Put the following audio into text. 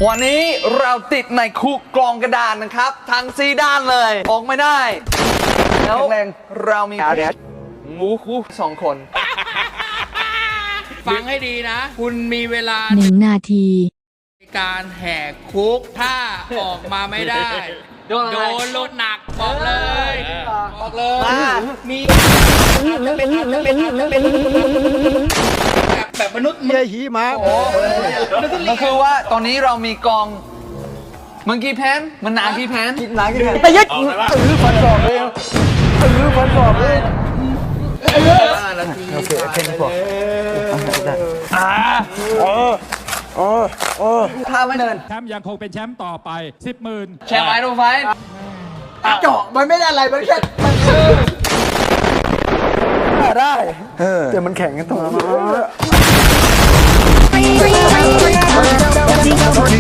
วันนี้เราติดในคุกกรองกระดานนะครับทั้ง4ด้านเลยออกไม่ได้แล้วเรามีงูคู่2 คนฟังให้ดีนะ คุณมีเวลา 1 นาทีในการแหกคุกถ้าออกมาไม่ได้โดนอะไรโดนลดหนักบอกเลยมีแบบมนุษย์เยี่ยหีมาก็คือว่าตอนนี้เรามีกองมังกี้แพนมันหนากี้แพนหนังกันแต่ยัดฟันสอบเลยฟันสอบเลย โอเคแค่นี้พอท่าไม่เดินแชมป์ยังคงเป็นแชมป์ต่อไป 10,000 แชร์ไว้ดูไฟเจาะมันไม่ได้อะไรมันแค่มันได้แต่มันแข็งกันตรงนี้